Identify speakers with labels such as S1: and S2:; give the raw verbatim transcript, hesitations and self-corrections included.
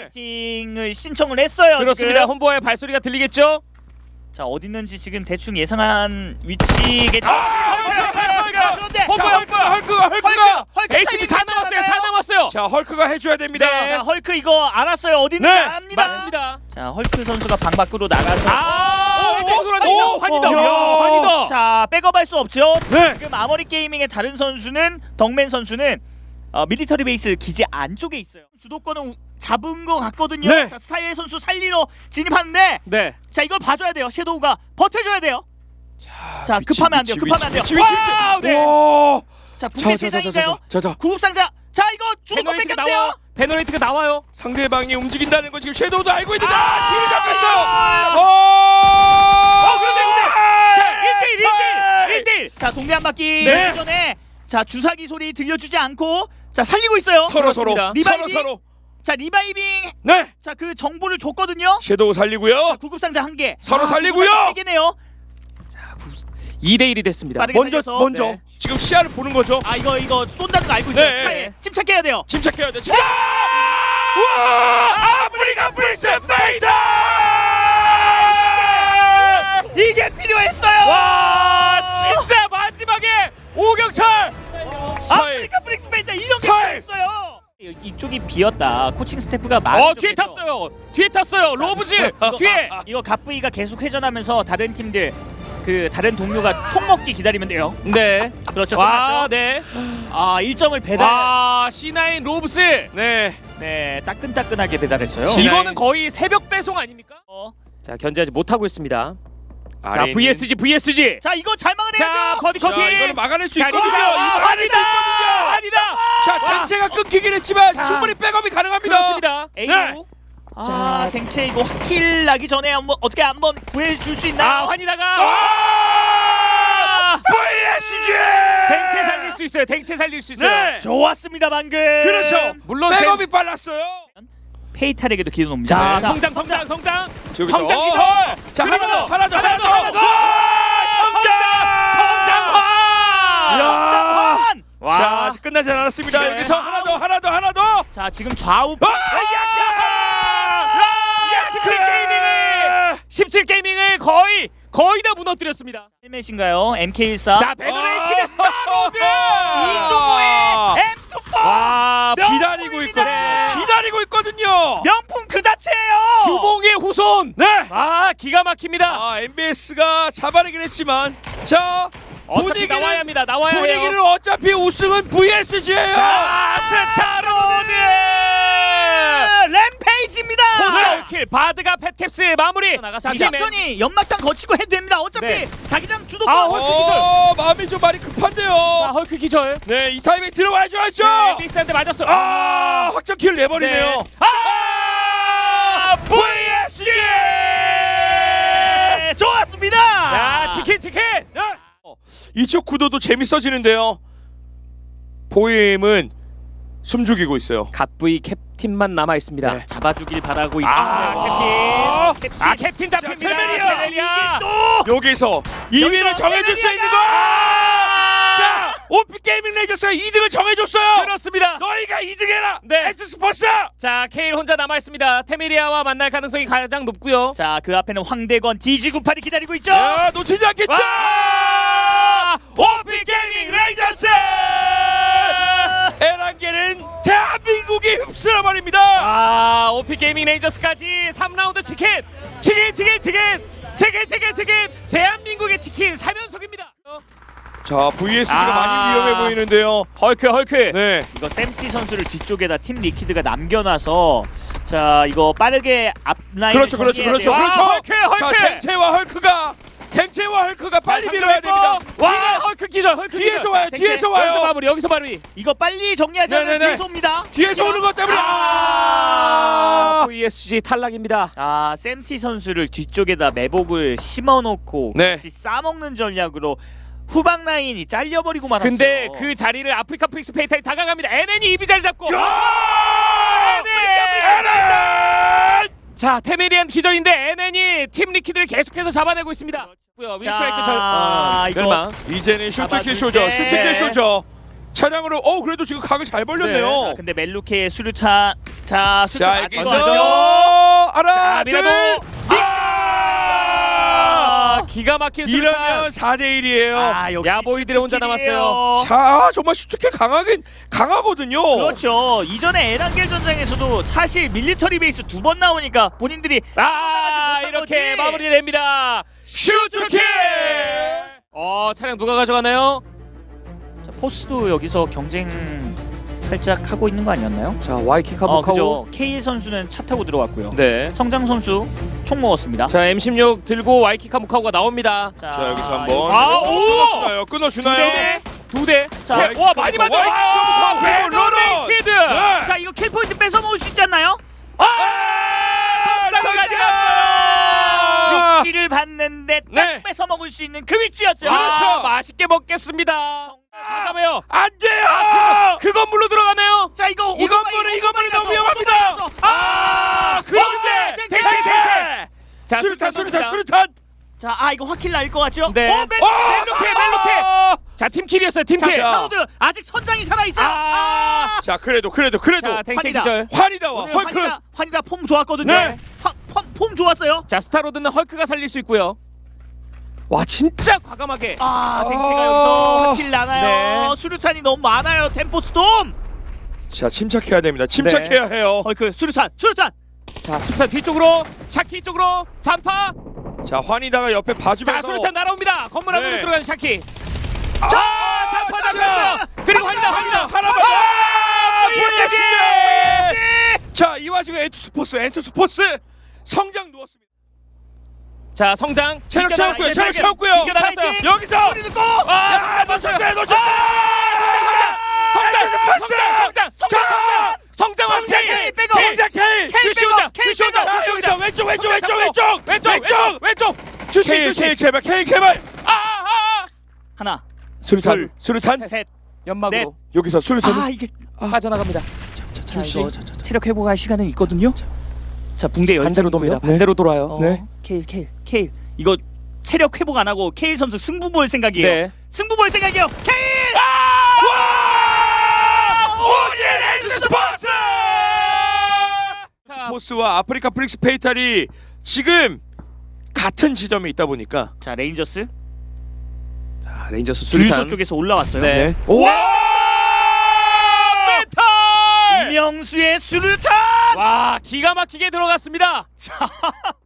S1: 파이팅을 신청을 했어요.
S2: 그렇습니다.
S1: 지금.
S2: 홈보의 발소리가 들리겠죠?
S1: 자 어디 있는지 지금 대충 예상한 위치겠죠. 그런데
S3: 자, 헐크가 헐크가 헐크가
S1: 헐크
S2: 에이치피 사 남았어요. 사 남았어요.
S3: 자 헐크가 해줘야 됩니다.
S2: 네.
S1: 자 헐크 이거 알았어요. 어디 있는지
S3: 네,
S1: 압니다.
S2: 맞습니다.
S1: 자 헐크 선수가 방 밖으로 나가서
S2: 아, 왼쪽 돌아다니다.
S3: 오,
S2: 환이다.
S3: 야.
S2: 야, 환이다.
S1: 자 백업할 수 없죠.
S3: 네.
S1: 지금 아머리 게이밍의 다른 선수는 덕맨 선수는 어, 밀리터리 베이스 기지 안쪽에 있어요. 주도권은 잡은 것 같거든요.
S3: 네.
S1: 자, 스타일 선수 살리러 진입하는데
S2: 네.
S1: 자 이걸 봐줘야 돼요. 섀도우가 버텨줘야 돼요. 자
S3: 위치,
S1: 급하면 안 돼요.
S3: 위치,
S1: 급하면 안 돼요.
S3: 위치, 위치, 위치.
S1: 와우, 네.
S3: 와.
S1: 자 붕괴 세상인가요?
S3: 자자.
S1: 구급상자. 자 이거 주도권
S2: 베너레이트가
S1: 뺏겼대요.
S2: 나와. 베너레이트가 나와요.
S3: 상대방이 움직인다는 건 지금 섀도우도 알고 있는데
S2: 아!
S3: 아, 뒤를 잡혔어요.
S2: 아!
S3: 어.
S2: 어, 그런데 근데 자, 일 대 일, 일 대 일, 일 대 일.
S1: 자 동네 한 바퀴
S3: 네.
S1: 돌기 전에 자 주사기 소리 들려주지 않고 자 살리고 있어요.
S3: 서로 서로
S2: 그렇습니다.
S1: 리바이빙.
S3: 서로 서로.
S1: 자 리바이빙.
S3: 네.
S1: 자 그 정보를 줬거든요.
S3: 섀도우 살리고요.
S1: 구급상자 한 개.
S3: 서로 살리고요.
S1: 세 개네요.
S2: 이 대 일이 됐습니다.
S1: 빠르게
S3: 먼저
S1: 살려서.
S3: 먼저
S1: 네.
S3: 지금 시야를 보는 거죠.
S1: 아 이거 이거 쏜다는 거 알고 있어요.
S3: 네.
S1: 스타일 침착해야 돼요.
S3: 침착해야 돼. 침착. 와! 아프리카 프릭스 페이더!
S1: 이게 필요했어요.
S2: 와, 진짜 마지막에 오경철.
S1: 아프리카 프릭스 페이터 이런 게
S3: 스타일!
S1: 필요했어요. 이쪽이 비었다. 코칭 스태프가 많이
S2: 어, 뒤에 탔어요. 뒤에 탔어요. 로브즈 뒤에.
S1: 이거 갑부이가 계속 회전하면서 다른 팀들 그 다른 동료가 총 먹기 기다리면 돼요.
S2: 네.
S1: 그렇죠.
S2: 와,
S1: 끝났죠?
S2: 네.
S1: 아 일 점을 배달.
S2: 와, 씨 나인 로브스.
S3: 네.
S1: 네 따끈따끈하게 배달했어요.
S3: 시-
S2: 이거는 거의 새벽 배송 아닙니까?
S1: 어.
S2: 자, 견제하지 못하고 있습니다. 자,
S3: 아래 있는-
S2: 브이에스지 브이에스지.
S1: 자 이거 잘 막아내야죠.
S2: 자, 버디
S3: 자,
S2: 커팅.
S3: 이거는 막아낼 수
S2: 자,
S3: 있거든요.
S2: 리사.
S3: 이거 막아낼 수
S2: 아니다.
S3: 있거든요.
S2: 아니다.
S3: 자, 탱체가 끊기긴 했지만
S2: 자.
S3: 충분히 백업이 가능합니다.
S2: 그렇습니다.
S1: 에이구.
S3: 네.
S1: 자
S2: 자,
S1: 댕체 이거 확킬 나기 전에 한번 어떻게 한번 구해줄 수 있나?
S2: 아, 환이다가
S3: 아! 브이에스지!
S2: 댕체 살릴 수 있어요. 댕체 살릴 수 있어요.
S3: 네.
S1: 좋았습니다 방금.
S3: 그렇죠.
S2: 물론
S3: 백업이 빨랐어요.
S1: 페이탈에게도 기도 놉니다.
S2: 자,
S1: 자,
S2: 성장 성장 성장.
S3: 여기서
S2: 성장
S3: 어,
S2: 기도.
S3: 어. 자, 하나
S2: 그리고
S3: 더, 하나 더, 하나 더.
S2: 하나 더.
S3: 와, 성장!
S2: 성장화.
S3: 야.
S1: 성장환!
S2: 와.
S3: 자, 아직 끝나지 않았습니다.
S2: 네.
S3: 여기서 하나 더, 하나 더, 하나 더.
S1: 자 지금 좌우
S3: 아!
S2: 야, 십칠 게이밍을 십칠 게이밍을 거의 거의 다 무너뜨렸습니다.
S1: 헬멧인가요? 엠케이 일사.
S2: 자, 베너레이티드 스타로드.
S3: 이종호의
S1: 엠 이십사.
S2: 와,
S3: 기다리고 있거든요. 기다리고 있거든요.
S1: 명품 그 자체예요.
S2: 주봉의 후손.
S3: 네.
S2: 아, 기가 막힙니다.
S3: 아, 엠비에스가 잡아내긴 했지만 자,
S2: 어차피
S3: 분위기는
S2: 나와야 합니다. 나와야
S3: 분위기는
S2: 해요.
S3: 어차피 우승은 브이에스지예요.
S2: 자, 스타로드.
S1: 램페이지입니다.
S2: 홈킬 바드가 펫캡스 마무리.
S1: 자
S2: 나갔습니다.
S1: 천천히 연막탄 거치고 해도 됩니다. 어차피
S2: 네.
S1: 자기장 주도권.
S2: 아, 헐크
S3: 어, 마음이 좀 많이 급한데요.
S2: 자, 헐크 기절.
S3: 네, 이 타이밍 들어와줘야죠.
S2: 네, 빅스한테 맞았어.
S3: 아, 확정 킬 내버리네요.
S2: 네. 아,
S3: 브이에스지.
S1: 네, 좋았습니다.
S2: 자, 치킨 치킨.
S3: 네. 어, 이쪽 구도도 재밌어지는데요. 보임은 숨죽이고 있어요.
S2: 갓브이 캡틴만 남아 있습니다.
S3: 네.
S1: 잡아주길 바라고 있습니다.
S2: 아, 캡틴.
S1: 캡틴.
S2: 아, 캡틴 잡힙니다.
S3: 자, 테메리아.
S2: 테메리아.
S3: 여기서 이 위를 정해줄 수 있는 거. 자, 오피 게이밍 레이저스가 이 등을 정해줬어요.
S2: 그렇습니다.
S3: 너희가 이 등 해라.
S2: 네.
S3: 엑스스포츠.
S2: 자, 케일 혼자 남아 있습니다. 테메리아와 만날 가능성이 가장 높고요.
S1: 자, 그 앞에는 황대건 디지구팔이 기다리고 있죠.
S3: 야, 놓치지 않겠죠.
S2: 와!
S3: 오피 게이밍 레이저스. 에란게는 대한민국이 흡수해 버립니다.
S2: 아, 오피 게이밍 레이저스까지 삼 라운드 치킨. 치킨 치킨 치킨. 치킨 치킨 치킨. 대한민국의 치킨 삼 연속입니다.
S3: 자, 브이에스지가
S2: 아.
S3: 많이 위험해 보이는데요.
S2: 헐크 헐크.
S3: 네.
S1: 이거 샘티 선수를 뒤쪽에다 팀 리퀴드가 남겨놔서 자 이거 빠르게 앞라인
S3: 그렇죠, 그렇죠, 그렇죠,
S2: 와,
S3: 그렇죠.
S2: 헐크, 헐크.
S3: 자, 탱체와 헐크가 탱체와 헐크가 빨리 밀어야 됩니다.
S2: 와,
S3: 뒤가-
S2: 헐크 기절. 헐크
S3: 뒤에서
S2: 기절.
S3: 와요,
S2: 탱체.
S3: 뒤에서 와요.
S2: 여기서 마무리. 여기서 마무리.
S1: 이거 빨리 정리하지 않으면
S3: 네네네.
S1: 뒤에서 옵니다.
S3: 뒤에서 오는 것 때문에
S2: 아,
S3: 아!
S2: 브이에스지 탈락입니다.
S1: 아 샘티 선수를 뒤쪽에다 매복을 심어놓고
S3: 네.
S1: 같이 싸먹는 전략으로 후방 라인이 잘려버리고 말았어요.
S2: 근데 그 자리를 아프리카 프릭스 페이탈이 다가갑니다. 엔엔이 이비 자리 잡고.
S3: 야! 에렌!
S2: 자, 테메리안 기절인데 엔엔이 팀 리퀴드를 계속해서 잡아내고 있습니다. 윈스트라이크 절. 어,
S1: 이거-
S2: 멸망.
S3: 이제는 슈트킬
S1: 잡아줄
S3: 쇼죠.
S1: 때.
S3: 슈트킬 쇼죠. 차량으로 어 그래도 지금 각을 잘 벌렸네요.
S1: 아, 근데 멜루케의 수류탄 자, 수류탄
S3: 자
S1: 아직
S3: 여기서
S1: 거죠?
S3: 하나
S2: 자,
S3: 둘
S2: 미라도
S3: 아!
S2: 기가 막힌
S3: 이러면
S2: 수류탄.
S3: 사 대 일이에요.
S1: 아, 역시
S2: 야보이들이 혼자
S1: 슈트킬이에요.
S2: 남았어요.
S3: 자 정말 슈트킬 강하긴 강하거든요.
S1: 그렇죠. 이전에 에란겔 전장에서도 사실 밀리터리 베이스 두 번 나오니까 본인들이
S2: 아,
S1: 못한
S2: 이렇게
S1: 거지.
S2: 마무리됩니다.
S3: 슈트킬.
S2: 어, 차량 누가 가져가나요?
S1: 자, 포스도 여기서 경쟁 살짝 하고 있는 거 아니었나요?
S2: 자, 와이킥
S1: 어,
S2: 한번
S1: 그죠.
S2: 하고.
S1: 케이 선수는 차 타고 들어왔고요.
S2: 네.
S1: 성장 선수 총 먹었습니다.
S2: 자, 엠 십육 들고 와이킥 한무카우가 나옵니다.
S1: 자,
S3: 자 여기서 한번
S2: 아, 오!
S3: 끊어주나요? 끊어주나요?
S2: 네. 두 대.
S1: 자,
S2: 자,
S3: 와이킥
S2: 와, 많이
S3: 한번,
S2: 맞아.
S3: 와이킥 한번,
S2: 와,
S3: 그리고 러너.
S2: 레드메이티드.
S3: 네.
S1: 자, 이거 킬 포인트 뺏어 먹을 수 있지 않나요?
S3: 아!
S2: 성장을
S3: 성장!
S2: 가져갔어요.
S1: 위치를 봤는데 딱
S3: 네.
S1: 뺏어 먹을 수 있는 그 위치였죠.
S2: 아, 맛있게 먹겠습니다. 잠깐만요.
S3: 안 돼요.
S2: 그 건물로 들어가나요?
S1: 자, 이거
S3: 이 건물은 이 건물이 너무 위험합니다. 아,
S2: 그런데
S1: 땡, 땡,
S2: 땡땡
S1: 땡,
S2: 땡땡. 자,
S3: 수류탄 수류탄
S2: 던집니다.
S3: 수류탄.
S1: 자, 아 이거 확킬 날 것 같죠?
S2: 네.
S1: 오, 맨,
S2: 멜로케 멜로케. 자, 팀킬이었어요.
S1: 자,
S2: 팀킬.
S3: 자.
S1: 사우드 아직 선장이 살아 있어요.
S2: 아.
S3: 자 그래도 그래도 그래도
S2: 자, 탱체
S1: 환희다.
S2: 기절.
S3: 환희다와
S1: 오늘
S3: 헐크.
S1: 환희다, 환희다 폼 좋았거든요.
S3: 네.
S1: 화, 폼, 폼 좋았어요.
S2: 자, 스타로드는 헐크가 살릴 수 있고요. 와, 진짜 과감하게.
S1: 아, 댕체가
S3: 아.
S1: 여기서 확킬 나나요?
S2: 네.
S1: 수류탄이 너무 많아요. 템포 스톰.
S3: 자 침착해야 됩니다. 침착해야 해요.
S1: 헐크 수류탄, 수류탄.
S2: 자, 수류탄 뒤쪽으로, 샤키 쪽으로 잔파.
S3: 자 환희다가 옆에
S2: 자,
S3: 봐주면서.
S2: 수류탄 날아옵니다. 건물 안으로
S3: 네.
S2: 들어가는 샤키.
S3: 아,
S2: 자, 잔파
S3: 자.
S2: 잡혔어요. 그리고 환희다, 환희다.
S3: 하나만. 아, 보이스지. 자, 이 와중에 엔투 스포츠, 엔투 스포츠 성장 누웠습니다.
S2: 자, 성장.
S3: 체력
S2: 이겨나-
S3: 채웠고요, 체력
S2: 이겨-
S3: 채웠고요.
S2: 이겨나갔어요.
S3: 여기서.
S2: 아,
S3: 야, 놓쳤어요, 놓쳤어요.
S2: 성장,
S3: 엔투
S2: 성장,
S3: 스포츠.
S2: 성장, 성장,
S3: 자,
S2: 성장,
S3: 성장
S2: 성장,
S3: 케일,
S1: 백업.
S3: 성장 케일.
S2: 주시 혼자, 주시 혼자,
S3: 자,
S2: 주시
S3: 여기서
S2: 혼자.
S3: 왼쪽, 왼쪽, 왼쪽,
S2: 잡고.
S3: 왼쪽,
S2: 왼쪽, 왼쪽, 왼쪽. 주시,
S3: 케일,
S2: 주시.
S3: 케일 제발, 케일 제발.
S2: 아, 아,
S1: 하나,
S3: 수류탄,
S1: 둘,
S3: 수류탄.
S1: 셋.
S2: 연막으로
S3: 여기서 수류탄.
S1: 아, 이게
S2: 빠져나갑니다.
S1: 자,
S2: 주시.
S1: 이거 체력 회복할 시간은 있거든요. 자, 붕대
S2: 반대로 돕니다.
S1: 열장이고요.
S2: 반대로 돌아요.
S1: 어,
S3: 네.
S1: 케일, 케일, 케일. 이거 체력 회복 안 하고 케일 선수 승부 볼 생각이에요.
S2: 네.
S1: 승부 볼 생각이에요. 케일!
S3: 와! 오진 엔투 스포츠! 스포츠와 아프리카 프릭스 페이탈이 지금 같은 지점에 있다 보니까.
S1: 자, 레인저스
S2: 자, 레인저스
S1: 주유소
S2: 수류탄
S1: 쪽에서 올라왔어요.
S2: 네.
S3: 와!
S2: 메탈!
S1: 이명수의 수류탄!
S2: 와, 기가 막히게 들어갔습니다.
S1: 자,